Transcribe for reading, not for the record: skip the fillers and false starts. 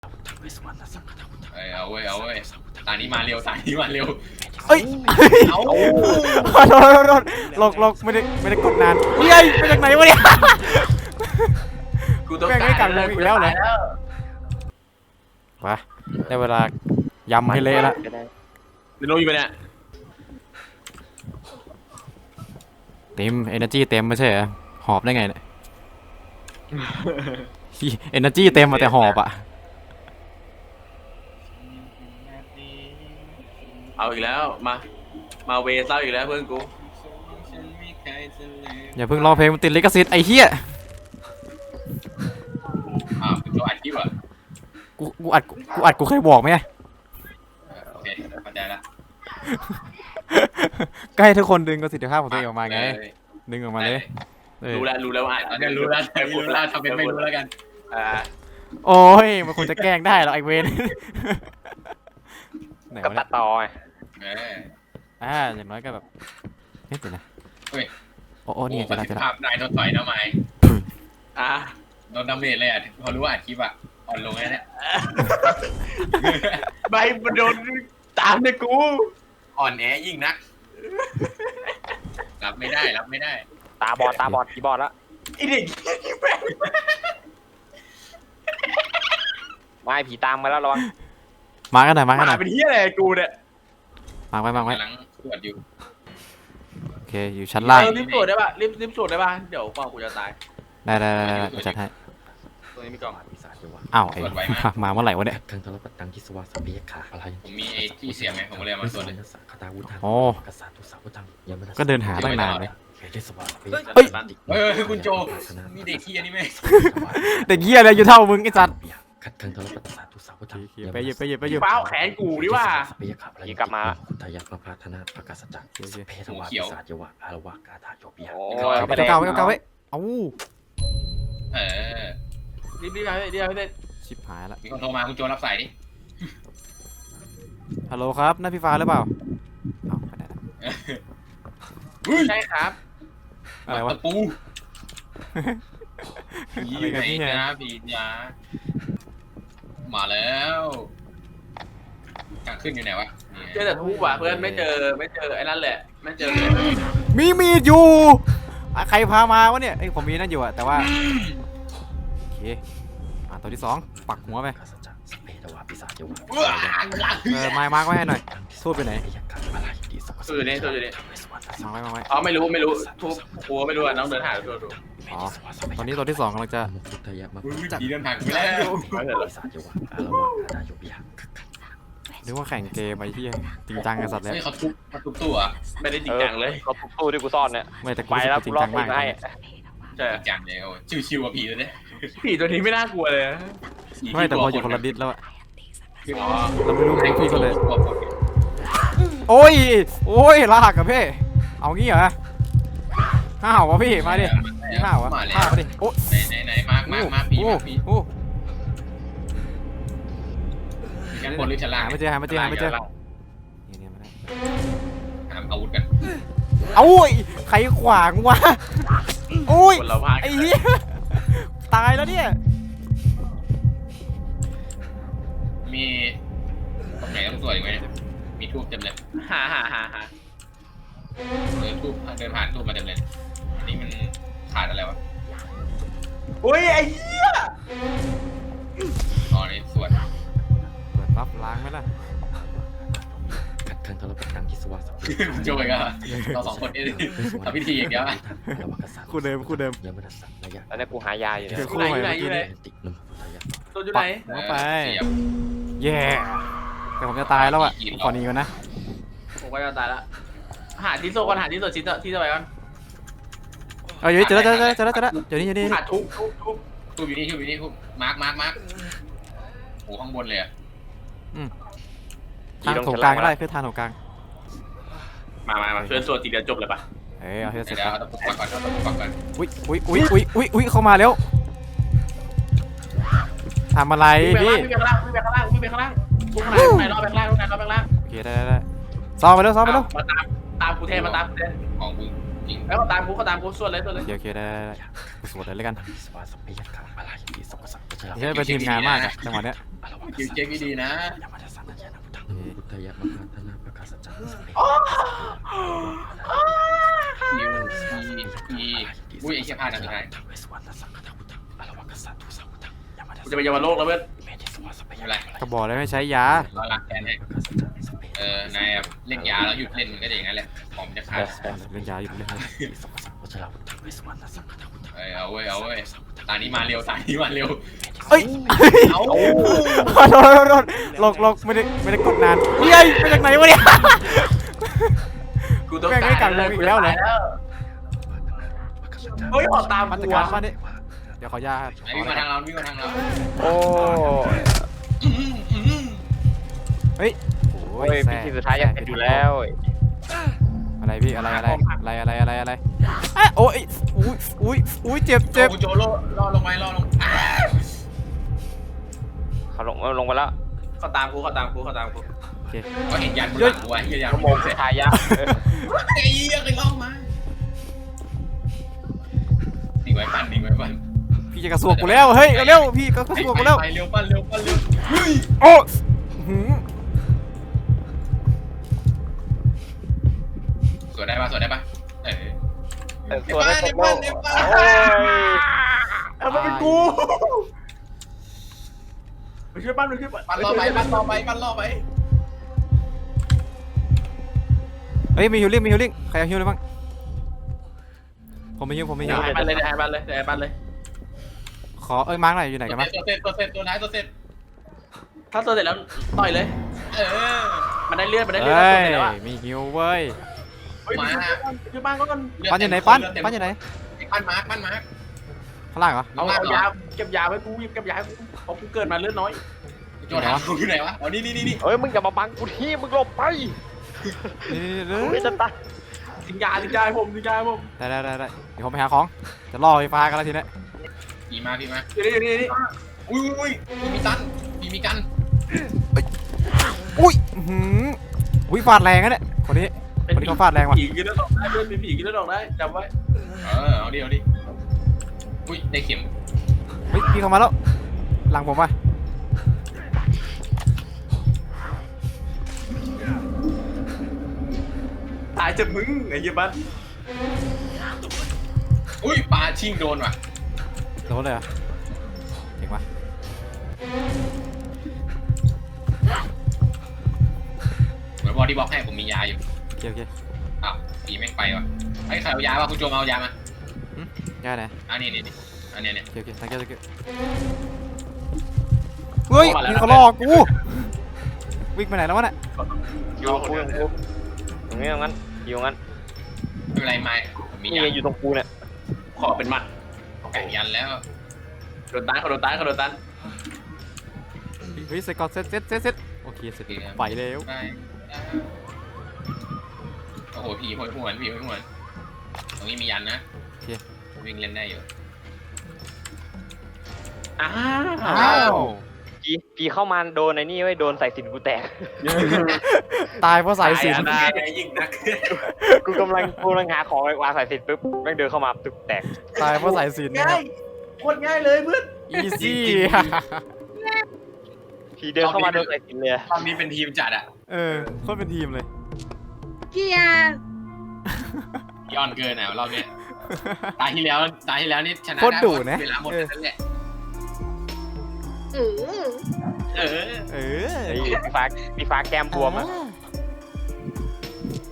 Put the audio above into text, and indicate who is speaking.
Speaker 1: เอาเว้ยตานี้มาเร็ว
Speaker 2: เอ้ย
Speaker 1: เอา
Speaker 2: โดนหลกไม่ได้กดนานเฮ้ยมาจากไหนวะเนี่ย
Speaker 1: กูต้อง
Speaker 2: แม่งไม่กลับลงอีกแล้วเหรอไปได้เวลายำให้เละละ
Speaker 1: เดี๋ยวลงอยู่ไปเนี่ย
Speaker 2: เต็ม energy เต็มไม่ใช่เหรอหอบได้ไงเนี่ย energy เต็มมาแต่หอบอ่ะ
Speaker 1: เอาอีกแล้วมาเวเศร้าอีกแล้วเพื่อนกู
Speaker 2: อย่าเพิ่งร้องเพลงมันติดลิขสิทธิ์ไอ้เหี้ย
Speaker 1: เป็นตัวอัดคลิปเหรอ
Speaker 2: กูอัดกูเคยบอกไหม
Speaker 1: โอเคเข้าใจละ
Speaker 2: ก็ให้ทุกคนดึงประสิทธิภาพของตัวเองออกมาไงดึงออกมาเลย
Speaker 1: รู้แล้วอ่ะตอนนี้รู้แล้วทำเป็นไม่รู้แล้วกัน
Speaker 2: โอ้ยมันคงจะแกล้งได้หรอไอเวน
Speaker 3: ก็ตัดต่อไง
Speaker 2: อย่างน้อยก็แบบเฮ้ยเดี๋ยวนะ
Speaker 1: เฮ้ย
Speaker 2: โอ้นี่จะได้
Speaker 1: ภาพนายโดนต่อยนะไม้โดนดาเมจเลยอ่ะพอรู้ว่าอัดคลิปอ่ะอ่อนลงแล้วเนี่ยใบมันโดนตามเนี่ยกูอ่อนแอยิ่งนักรับไม่ได้
Speaker 3: ตาบอดกี่บอดแล้ว
Speaker 1: ไอเด็กนี่แม่ง
Speaker 3: ไม่ผีตามมาแล้วระวัง
Speaker 2: มากันหน่อย
Speaker 1: เป็นเหี้ยอะไรกูเนี่ย
Speaker 2: มาไว้
Speaker 1: กำลังตรวจอยู่
Speaker 2: โอเคอยู่ชั้นล่าง
Speaker 1: รีบตรวจได้ป่ะรีบตรวจได้ป่ะเดี๋ยวกว่ากูจะตาย
Speaker 2: ได้จัดให้
Speaker 1: ตรงนี้มีกล่อง
Speaker 2: อ้าวไอ้มาเมื่อไหร่วะเนี่ย
Speaker 4: ทางทรตังที่สวาสเปียขาอะไร
Speaker 1: ผมมีไอ้ที่เสียงไงผมเลยมาตรวจเลย
Speaker 2: โอ้ก็เดินหาตั้งนานเลย
Speaker 1: เฮ้ยคุณโจมีเด็กขี้อันนี้ไหม
Speaker 2: เด็กเหี้ยอะไรอยู่เท่ามึงไอ้สัตว์
Speaker 4: ขัดทางทรตังสาธุสาวทัง
Speaker 2: ไปหยิบ
Speaker 1: เป้าแขนกูดิว่า
Speaker 4: ยี่กลับมาคุณทายาพระพาธนาประกาศจักรเพทวาศาสยวะอารวากาธาโยบิยา
Speaker 2: เก่าไว้เอ้า
Speaker 1: รีบ
Speaker 2: ชิบหายละ
Speaker 1: มีคนโทรมาคุณโจรับสายดิ
Speaker 2: ฮัลโหลครับนั่นพี่ฟ้าหรือเปล่า
Speaker 1: ใช่ครับ
Speaker 2: อะไรวะ
Speaker 1: ปูผีไหนนะผีจ้ามาแล้วทางขึ้นอยู่ไหนวะเจอแต่ทูบว่ะเพื่อนไม่เจอไอ้นั่นแหละไม่เจอ
Speaker 2: มีดอยู่ใครพามาวะเนี่ยไอ้ผมมีนั่นอยู่อะแต่ว่าโอเคตัวที่2ปักหัวไปมาร์กไว้ให้หน่อยทูบไปไหน
Speaker 1: อยู่นี่
Speaker 2: มาไว้
Speaker 1: อ๋อไม่รู้ทูบหัวไม่รู้อ่ะน้องเดินหาดู
Speaker 2: อ๋อตอนนี้ตัวที่2กำลังจะ
Speaker 1: ดีเดินผ่านไปแล้ว
Speaker 2: หรือว่าแข่งเกมไอ้ที่จริงจังกันสัตว์แล้ว
Speaker 1: เขาทุบตู้อ่ะไม่ได้จริงจังเลย
Speaker 3: เขาทุบตู้ที่กูซ่อนเนี่ย
Speaker 2: ไม่แต่
Speaker 3: ไปแล้วกูรอบมึงให้
Speaker 1: ใช่จังเลยโอ้ชิวๆอ่ะผีตัวนี้ผีตัวนี้ไม่น่ากลัวเลย
Speaker 2: ไม่แต่พออยู่คนละดิสแล้วอะเราไม่รู้พี่ก็เลยโอ้ยลากกับพี่เอางี้เหรอห้าววะพี่มาดิห้าววะห้าวมาดิโอ้
Speaker 1: ไหนมาผีชั้นบนหรือชั้นล่าง
Speaker 2: ไม่เจอนี่มาได้
Speaker 1: หาอาวุธกัน
Speaker 2: ใครขวางวะไอ้เหี้ยตายแล้วเนี่ย
Speaker 1: มีตรงไหนต้องสวยไหมมีทูบเต็มเลยหาเดินผ่านทูบมาเต็มเลยอันนี้มันขาดอะไรวะอุ้ยไอ้เหี้ยอ๋อนี่สวย
Speaker 2: เปิดปั๊บล้างไหมล่ะ
Speaker 4: ขัดทางทรตังที่สวาส
Speaker 1: โจ้ยก็เรา2คนนี่ทำพิธีอย่างเดียว
Speaker 2: คู่เดิม
Speaker 4: ยังไม่ได้สั่งระยะ
Speaker 3: แล้วเนี่ยกูหายาอยู่เนี่ย
Speaker 1: อยู่ไหน
Speaker 4: ติดนมพุทธายะ
Speaker 1: ตัวอยู่ไหน
Speaker 2: ไปแย่แต่ผมจะตายแล้วอ่ะขอหนีก่อนนะ
Speaker 1: ผมก็จะตายแล้วหาที่โซ่ก่อนชิ้นที่จะไปก่อน
Speaker 2: อยู่นี่เจอแล้วอยู่นี่
Speaker 1: หาทุบอยู่นี่ทุบมาร์กโอ้ข้างบนเลยอ่ะ
Speaker 2: ทางของกลางก็ได้คือทางของกลาง
Speaker 1: มาเพื่อนส่วนตีเดียวจบเลยปะ
Speaker 2: เอาเฮ้ยเสร็จ
Speaker 1: แล้วต้องปักก่อน
Speaker 2: อุ้ยเข้ามาแล้วทำอะไรพี่
Speaker 1: วิ่งไปข้างล่างทุกไหนรอไปข้างล่าง
Speaker 2: โอเคได้ซ้อมไปแล้ว
Speaker 1: มาตามกูเทมาตามกูเทของมึงจริงแล้วเขาตามกูส่วนเลย
Speaker 2: โอเคได้กูสวดเลยแล้วกัน
Speaker 4: สวาสเปียกะอะไรที่สกสักจะ
Speaker 2: ไม่ใช่เป็นทีมงานมากอะจังหวะเนี้ย
Speaker 1: คิวเช็คดีๆนะ
Speaker 4: ยามาสันญาณพุทธังพุทธายะมหาธนาประกาศจักรสเปีย
Speaker 1: คิวอีอุ้ยไอ้เชี่ยพลาดนะสุดท้าย
Speaker 4: ทั้งเวสวรรณสังฆทาพุทธังอรวกัสสะทุสังพุทธังยามา
Speaker 1: กูจะไปเยาวโลกแล้วเพื่อน
Speaker 4: เมธิสวาสเปีย
Speaker 2: ก็บอกเลยไม่ใช้ยา
Speaker 1: เราหลักแทนให้นายเล่นยาแล้วหยุดเล่นมันก็อย่างนั้นแหละของมันจะขาด
Speaker 2: เล่นยาอยู่เล่น
Speaker 4: สกสักวัชราพุทธังเวสวรรณสังฆทาพุทธัง
Speaker 1: เอาเว้ยตานี้มาเร็วตานี้มาเร็ว
Speaker 2: เอ้ย
Speaker 1: เอา
Speaker 2: โดนหลกไม่ได้กดนานเฮ้ยมาจากไหนวะเนี่ย
Speaker 1: กูต้องการเฮ้ยออกตาม
Speaker 2: มาตร
Speaker 1: กู
Speaker 2: การมาดิเดี๋ยวขอยา
Speaker 1: วิ่งมาทางเราวิ่งมาทางเรา
Speaker 3: โอ้
Speaker 2: เฮ้ย
Speaker 3: โอ้ยพิธีสุดท้ายยังเป็นอยู่แล้ว
Speaker 2: อะไรพี่อะไรโอ้ยอุ้ยเจ็บ
Speaker 1: กูโจโล่ล่อลงลง
Speaker 3: เขาลงไปแล้ว
Speaker 1: เขาตามกู
Speaker 2: โอเค
Speaker 1: ก็เห็นยันบนหลังกูไว้เฮียยัน
Speaker 3: ชั่วโมงสุดท้ายยะ
Speaker 1: ไอ้เหี้ยเคยล่องมาหนีไว้ปั้น
Speaker 2: พี่จะกระสวกกูแล้วเฮ้ยเร็วพี่กระสวกกูแล้ว
Speaker 1: ไปเร็วปั้นเร็วเฮ้ย
Speaker 2: โอ้
Speaker 1: สวดได้ปะ
Speaker 3: ตัวได้ตกโลก
Speaker 1: มันเป็นกูไปช่วยปั้นปั้นล่อไป
Speaker 2: เฮ้ยมีฮิลลิ่งใครเอาฮิลเลยบ้างผมไม่ฮิล
Speaker 1: ให้ปั้นเลย
Speaker 2: ขอมาร์กหน่อยอยู่ไหนกันบ้าง
Speaker 1: ตัวเสร็จตัวเสร็จ ถ้าตัวเสร็จแล้วต่อยเลยมันได้เลือด
Speaker 2: เฮ้
Speaker 1: ตัวเสร็จแล้ว
Speaker 2: ยมีฮิลเว้ย
Speaker 1: มาช่วยปั้นก็
Speaker 2: ปั้นอยู่ไหนปั้นอยู่ไหน
Speaker 1: ปั้นมาร์ค
Speaker 2: ข้างล่างเหรอ
Speaker 1: เอายาเก็บยาไว้กูเก็บยาให้กูเพราะกูเกิดมาเลือดน้อยโจทย์กูอยู่ไหนวะอ๋อนี่
Speaker 3: เฮ้ยมึงอย่ามาบังกูที่มึงหลบไป
Speaker 2: นี่
Speaker 3: กูจะตาย
Speaker 1: ทิ้งยาให้ผม
Speaker 2: ได้เดี๋ยวผมไปหาของจะล่อไฟฟ้ากันแล้วทีนี้
Speaker 1: พี่มาอยู่นี่อุ้ยมีกัน
Speaker 2: อุ้ยฟาดแรงนะเนี่ยคนนี้เขาฟาดแรงว่ะ
Speaker 1: ผีกินแล้วดอกได้เป็นผีกินแล้วดอกได้จำไว้เอาดิอุ้ยได้เข็ม
Speaker 2: เฮ้ยพี่เข้ามาแล้วหลังผมว่ะ
Speaker 1: ตายจะมึงไอ้เหี้ยบ้านอุ้ยปลาชิงโดนว่ะ
Speaker 2: โดนเลยเหรอเก่งว่ะ
Speaker 1: เหมือนบอดี้บล็อกให้ผมมียาอยู่
Speaker 2: โอเค
Speaker 1: อ้าวผีแม่งไปว่ะไอ้ใครเอายาป่ะคุณโจมเอายามา
Speaker 2: ง่ายนะ
Speaker 1: อันนี้อันนี้
Speaker 2: โอเคthank youเฮ้ยมีเขาล่อกูวิ่งไปไหนแล้ววะเนี่ย
Speaker 3: อยู่กูตรงนี้งั้นอยู่งั้น
Speaker 1: ไม่เป็นไรไม่ผมมี
Speaker 3: นี่
Speaker 1: ยา
Speaker 3: อยู่ตรงกูเนี่ย
Speaker 1: ขอเป็นมัดแก่ยันแล้วโดนตัน
Speaker 2: เฮ้ยเสร็จก่อนเสร็จโอเคเสร็จไปแล้ว
Speaker 1: ไปโอ้โหผีโหยหวนตรงนี้มียันนะวิ่งเล่นได้อยู่อ้าว
Speaker 3: ผีเข้ามาโดนไอ้นี่ไว้โดนใส่สินกูแตก
Speaker 2: ตายเพราะสายสิญ
Speaker 1: ได้ยิงนัก
Speaker 3: กูกำลังหาของวางใส่สินปุ๊บแม่งเดินเข้ามาตึกแตก
Speaker 2: ตายเพราะสายสิญนะครับ
Speaker 1: โคตรง่ายเลยเพื่อน
Speaker 2: easy
Speaker 3: ผีเดินเข้ามาโดนใส่สินเลย
Speaker 1: ตอนนี้เป็นทีมจัดอะ
Speaker 2: โคตรเป็นทีมเลย
Speaker 5: เกียร์
Speaker 1: ย้อนเกินอ่ะรอบนี้ตายที่แล้วนี่ชนะ
Speaker 2: โคตรดุนะ
Speaker 1: เวลาหมดนั่นแหละ
Speaker 5: เออ
Speaker 1: เออ
Speaker 2: เออ
Speaker 3: พี่ฟ้าแก้มบวมอ่ะ